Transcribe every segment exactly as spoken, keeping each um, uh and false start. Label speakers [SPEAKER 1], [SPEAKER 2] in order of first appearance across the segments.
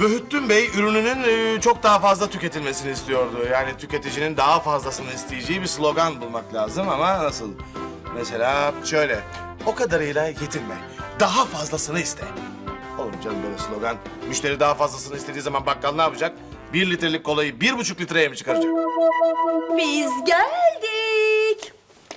[SPEAKER 1] Böhüttün Bey ürününün e, çok daha fazla tüketilmesini istiyordu. Yani tüketicinin daha fazlasını isteyeceği bir slogan bulmak lazım ama nasıl? Mesela şöyle, o kadarıyla yetinme, daha fazlasını iste. Olur canım böyle slogan. Müşteri daha fazlasını istediği zaman bakkal ne yapacak? Bir litrelik kolayı bir buçuk litreye mi çıkaracak?
[SPEAKER 2] Biz geldik.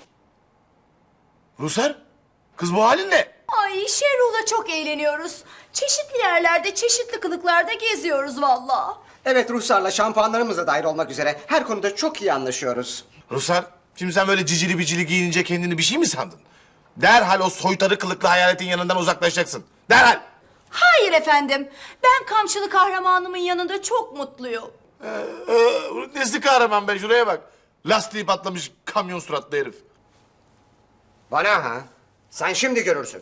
[SPEAKER 1] Rusar, kız bu halin ne?
[SPEAKER 2] Ay Şerruh'la çok eğleniyoruz. Çeşitli yerlerde, çeşitli kılıklarda geziyoruz vallahi.
[SPEAKER 3] Evet, Ruhsar'la şampuanlarımız da dahil olmak üzere her konuda çok iyi anlaşıyoruz.
[SPEAKER 1] Rusar, şimdi sen böyle cicili bicili giyinince kendini bir şey mi sandın? Derhal o soytarı kılıklı hayaletin yanından uzaklaşacaksın. Derhal!
[SPEAKER 2] Hayır efendim. Ben kamçılı kahramanımın yanında çok mutluyum.
[SPEAKER 1] Ee, e, nesi kahraman be, şuraya bak. Lastiği patlamış kamyon suratlı herif.
[SPEAKER 3] Bana ha? Sen şimdi görürsün.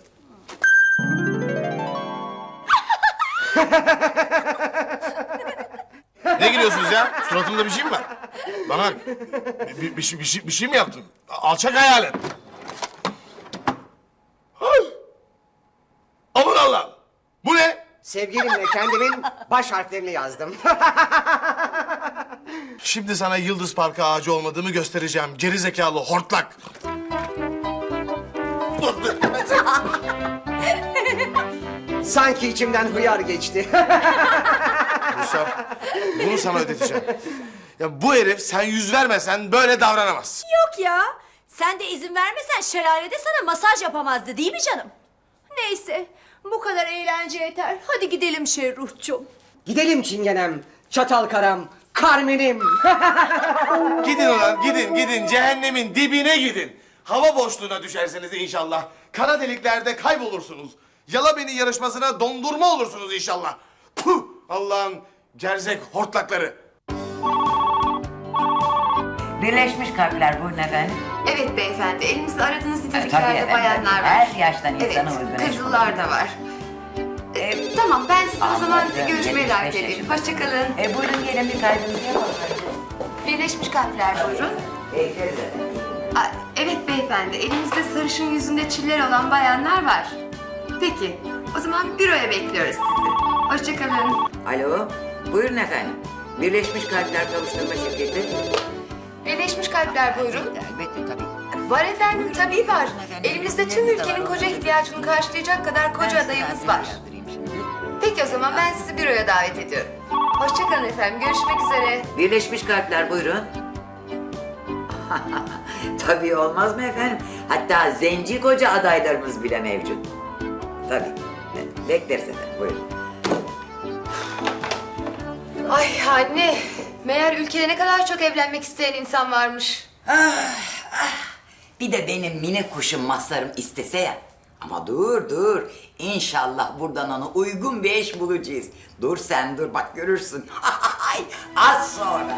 [SPEAKER 1] Ne gülüyorsunuz ya? Suratımda bir şey mi var? Bana bak. Bir, bir, bir, şey, bir, şey, bir şey mi yaptın? Alçak hayalet. Ay! Aman Allah'ım! Bu ne?
[SPEAKER 3] Sevgilimle kendimin baş harflerini yazdım.
[SPEAKER 1] Şimdi sana Yıldız Parkı ağacı olmadığımı göstereceğim. Geri zekalı hortlak.
[SPEAKER 3] Sanki içimden hıyar geçti.
[SPEAKER 1] Rusar, bunu sana ödeteceğim. Ya bu herif sen yüz vermesen böyle davranamaz.
[SPEAKER 2] Yok ya. Sen de izin vermesen şelalede sana masaj yapamazdı değil mi canım? Neyse. Bu kadar eğlence yeter. Hadi gidelim Şerruh'cum.
[SPEAKER 3] Gidelim çingenem, çatal karam, Carmen'im.
[SPEAKER 1] Gidin ulan, gidin, gidin. Cehennemin dibine gidin. Hava boşluğuna düşerseniz inşallah. Kara deliklerde kaybolursunuz. Yala beni yarışmasına dondurma olursunuz inşallah. Puh! Allah'ın gerzek hortlakları.
[SPEAKER 4] Birleşmiş Kalpler buyurun efendim.
[SPEAKER 5] Evet beyefendi, elimizde aradığınız
[SPEAKER 4] Tabii
[SPEAKER 5] niteliklerde
[SPEAKER 4] efendim,
[SPEAKER 5] bayanlar var.
[SPEAKER 4] her yaştan
[SPEAKER 5] Evet,
[SPEAKER 4] insana uygun eş
[SPEAKER 5] kızıllar da var. Ee, tamam, ben sizi o zaman
[SPEAKER 4] Anladım,
[SPEAKER 5] görüşmeye davet
[SPEAKER 4] yetmiş beş
[SPEAKER 5] edeyim.
[SPEAKER 4] yaşında.
[SPEAKER 5] Hoşçakalın.
[SPEAKER 4] E buyurun gelin bir kaydınızı yapalım.
[SPEAKER 5] Birleşmiş Kalpler buyurun.
[SPEAKER 4] Bekleriz efendim.
[SPEAKER 5] Aa, evet beyefendi, elimizde sarışın yüzünde çiller olan bayanlar var. Peki, o zaman büroya bekliyoruz sizi. Hoşçakalın.
[SPEAKER 4] Alo, buyurun efendim. Birleşmiş Kalpler Kavuşturma Şirketi.
[SPEAKER 5] Birleşmiş Kalpler buyurun.
[SPEAKER 4] Elbette tabii.
[SPEAKER 5] Var efendim, tabii var. Elimizde tüm ülkenin koca ihtiyacını karşılayacak kadar koca adayımız var. Peki o zaman ben sizi büroya davet ediyorum. Hoşçakalın efendim, görüşmek üzere.
[SPEAKER 4] Birleşmiş Kalpler buyurun. Tabii olmaz mı efendim? Hatta zenci koca adaylarımız bile mevcut. Tabii. Bekleriz efendim, buyurun.
[SPEAKER 5] Ay anne, meğer ülkede ne kadar çok evlenmek isteyen insan varmış.
[SPEAKER 4] Bir de benim mini kuşum Mazhar'ım istese ya. Ama dur dur. İnşallah buradan ona uygun bir eş bulacağız. Dur sen dur bak görürsün. Az sonra.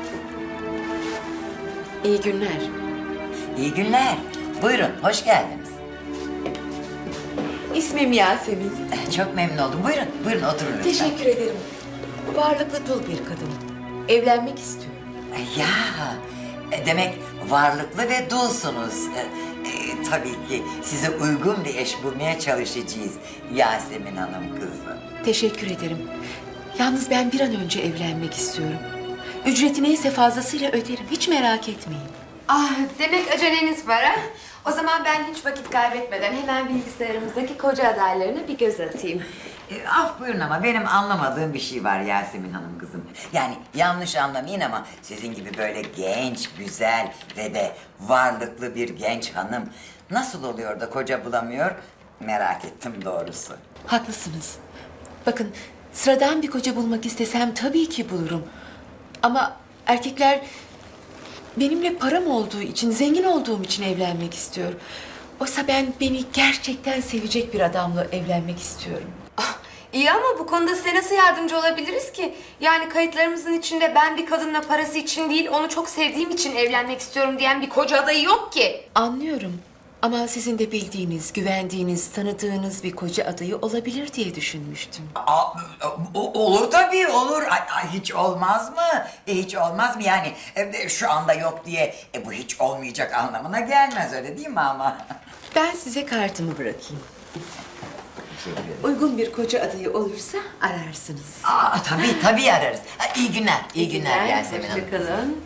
[SPEAKER 5] İyi günler.
[SPEAKER 4] İyi günler. Buyurun hoş geldiniz.
[SPEAKER 6] İsmim Yasemin.
[SPEAKER 4] Eh, Çok memnun oldum. Buyurun buyurun oturun lütfen.
[SPEAKER 6] Teşekkür ederim. Varlıklı dul bir kadınım. Evlenmek istiyorum.
[SPEAKER 4] Eh, Ya e, demek varlıklı ve dulsunuz. E, e, tabii ki size uygun bir eş bulmaya çalışacağız Yasemin Hanım kızım.
[SPEAKER 6] Teşekkür ederim. Yalnız ben bir an önce evlenmek istiyorum. Ücreti neyse fazlasıyla öderim. Hiç merak etmeyin.
[SPEAKER 5] Ah, demek aceleniz var ha? O zaman ben hiç vakit kaybetmeden hemen bilgisayarımızdaki koca adaylarına bir göz atayım.
[SPEAKER 4] E, af buyurun ama benim anlamadığım bir şey var Yasemin Hanım kızım. Yani yanlış anlamayın ama sizin gibi böyle genç, güzel ve de varlıklı bir genç hanım nasıl oluyor da koca bulamıyor merak ettim doğrusu.
[SPEAKER 6] Haklısınız. Bakın sıradan bir koca bulmak istesem tabii ki bulurum. Ama erkekler benimle param olduğu için, zengin olduğum için evlenmek istiyor. Oysa ben beni gerçekten sevecek bir adamla evlenmek istiyorum.
[SPEAKER 5] Ah, iyi ama bu konuda size nasıl yardımcı olabiliriz ki? Yani kayıtlarımızın içinde ben bir kadınla parası için değil, onu çok sevdiğim için evlenmek istiyorum diyen bir koca adayı yok ki.
[SPEAKER 6] Anlıyorum. Ama sizin de bildiğiniz, güvendiğiniz, tanıdığınız bir koca adayı olabilir diye düşünmüştüm.
[SPEAKER 4] Aa, o- olur tabii olur. Ay, ay, hiç olmaz mı? E, hiç olmaz mı yani? E, şu anda yok diye e, bu hiç olmayacak anlamına gelmez öyle değil mi ama?
[SPEAKER 6] Ben size kartımı bırakayım.
[SPEAKER 4] Teşekkür ederim.
[SPEAKER 6] Uygun bir koca adayı olursa ararsınız.
[SPEAKER 4] Aa, tabii tabii ararız. Ha, iyi günler, iyi, günler, Yasemin Hanım.
[SPEAKER 6] Hoşçakalın.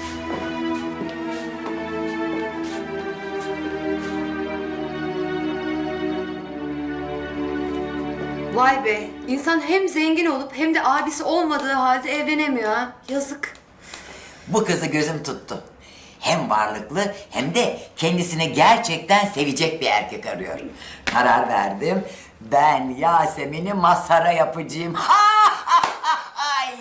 [SPEAKER 5] Vay be, insan hem zengin olup hem de abisi olmadığı halde evlenemiyor ha. Yazık.
[SPEAKER 4] Bu kızı gözüm tuttu. Hem varlıklı hem de kendisini gerçekten sevecek bir erkek arıyor. Karar verdim. Ben Yasemin'i Mazhar'a yapacağım. Ha, ha, ha, ay.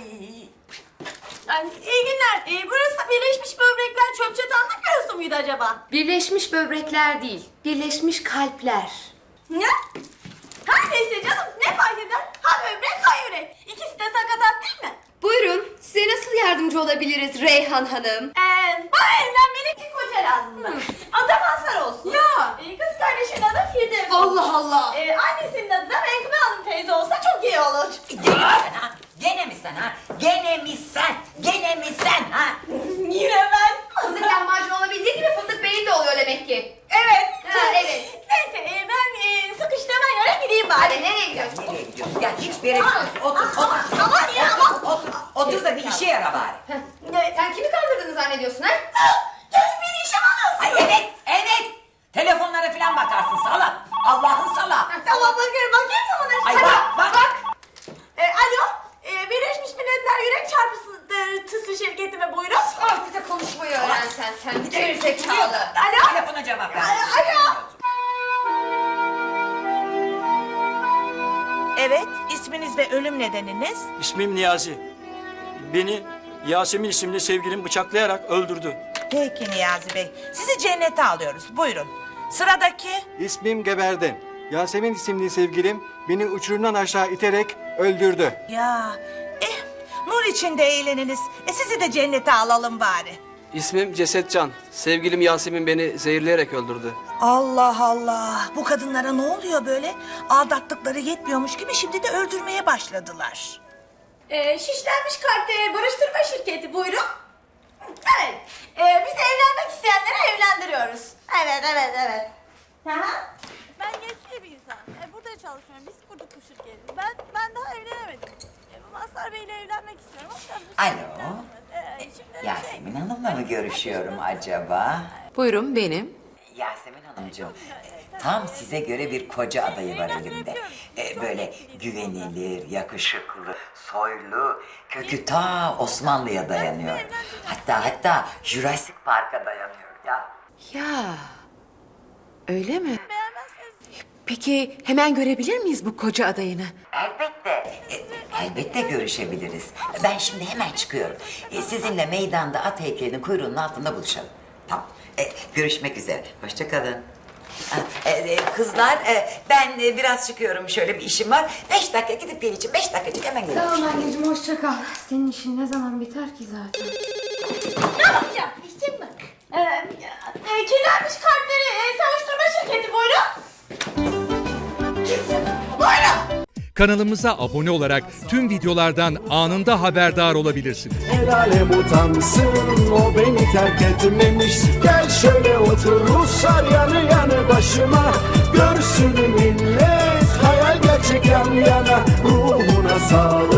[SPEAKER 2] İyi günler. Ee, burası Birleşmiş Böbrekler Çöp Çatanlık Bürosu muydu acaba?
[SPEAKER 5] Birleşmiş böbrekler değil, birleşmiş kalpler.
[SPEAKER 2] Ne? Her neyse canım, ne fark eder? Ha böbrek, ha yürek. İkisi de sakatat değil mi?
[SPEAKER 5] Buyurun, size nasıl yardımcı olabiliriz Reyhan Hanım?
[SPEAKER 2] Ee, bana evlenmelik bir koca lazım. Adı Mazhar olsun. Ya. Ee, kız kardeşinin adı Firdevs.
[SPEAKER 5] Allah Allah!
[SPEAKER 2] Ee, annesinin adı da Menkıbe Hanım teyze olsa çok iyi olur.
[SPEAKER 4] Gene mi sen ha? Gene mi sen ha? Gene mi sen? Gene mi sen ha?
[SPEAKER 2] Yine ben.
[SPEAKER 5] Fındık lahmacun olabildiği gibi fındık beyin de oluyor demek ki.
[SPEAKER 2] Evet.
[SPEAKER 5] Ha, evet.
[SPEAKER 2] Neyse e, ben e, sıkıştığıma göre gideyim bari.
[SPEAKER 5] Hadi nereye gidiyorsun?
[SPEAKER 4] Nereye gidiyorsun? Gel hiçbir yere gitmiyorsun. Otur, otur.
[SPEAKER 2] Aman ya aman.
[SPEAKER 4] Otur, otur da bir işe yara bari.
[SPEAKER 2] Evet.
[SPEAKER 5] Sen kimi kandırdığını zannediyorsun ha?
[SPEAKER 2] Gel beni işe alıyorsun.
[SPEAKER 4] Ay evet, evet. Telefonlara falan bakarsın salak. Allah'ın salak.
[SPEAKER 2] Tamam bakıyorum bakayım mı buna?
[SPEAKER 4] Ay
[SPEAKER 2] Hadi.
[SPEAKER 4] bak, bak.
[SPEAKER 2] Bak. E, alo. E, Birleşmiş Milletler Yürek Çarpıntısı şirketi mi buyurun?
[SPEAKER 5] Ah bir de konuşmayı öğren sen. Sen geri zekalı.
[SPEAKER 2] Alo.
[SPEAKER 4] Telefona cevap ver.
[SPEAKER 2] Alo.
[SPEAKER 7] Evet, isminiz ve ölüm nedeniniz?
[SPEAKER 8] İsmim Niyazi. Beni Yasemin isimli sevgilim bıçaklayarak öldürdü.
[SPEAKER 7] Peki Niyazi Bey, sizi cennete alıyoruz. Buyurun. Sıradaki?
[SPEAKER 9] İsmim Geberdim. Yasemin isimli sevgilim beni uçurumdan aşağı iterek öldürdü.
[SPEAKER 7] Ya, eh, nur içinde eğleniniz. E sizi de cennete alalım bari.
[SPEAKER 10] İsmim Cesetcan. Sevgilim Yasemin beni zehirleyerek öldürdü.
[SPEAKER 7] Allah Allah, bu kadınlara ne oluyor böyle? Aldattıkları yetmiyormuş gibi şimdi de öldürmeye başladılar.
[SPEAKER 2] E, şişlenmiş kalpte barıştırma şirketi buyurun. Evet. E, biz evlenmek isteyenleri evlendiriyoruz. Evet evet evet. Aha.
[SPEAKER 11] Ben gençli bir insanım. E, burada çalışıyorum. Biz kurduk bu şirketi. Ben ben daha evlenemedim. E, bu Mazhar Bey'le evlenmek istiyorum. O yüzden bu
[SPEAKER 4] Alo.
[SPEAKER 11] şirketten- E, şimdi
[SPEAKER 4] Yasemin Hanım'la mı görüşüyorum acaba?
[SPEAKER 6] Buyurun benim.
[SPEAKER 4] Yasemin Hanımcığım, tam size göre bir koca adayı var elimde. Ee, böyle güvenilir, yakışıklı, soylu, kökü ta Osmanlı'ya dayanıyor. Hatta hatta Jurassic Park'a dayanıyor ya.
[SPEAKER 6] Ya öyle mi? Peki hemen görebilir miyiz bu koca adayını?
[SPEAKER 4] Elbette, e, elbette görüşebiliriz. Ben şimdi hemen çıkıyorum. E, sizinle meydanda at heykelinin kuyruğunun altında buluşalım. Tamam, e, görüşmek üzere. Hoşça kalın. Ha, e, e, kızlar, e, ben e, biraz çıkıyorum. Şöyle bir işim var. Beş dakika gidip geleceğim. Beş dakikacık hemen geleceğim.
[SPEAKER 5] Tamam anneciğim hoşça kal. Senin işin ne zaman biter ki zaten?
[SPEAKER 2] Ne yapacağım? İşim mi? E, e, kirlenmiş kalpleri e, savuşturma şirketi buyurun. Buyurun.
[SPEAKER 12] Kanalımıza abone olarak tüm videolardan anında haberdar olabilirsiniz.
[SPEAKER 13] El alem utansın, o beni terk etmemiş. Gel şöyle otur Ruslar yanı yanı başıma. Görsün millet hayal gerçek yan yana. Ruhuna sağlık.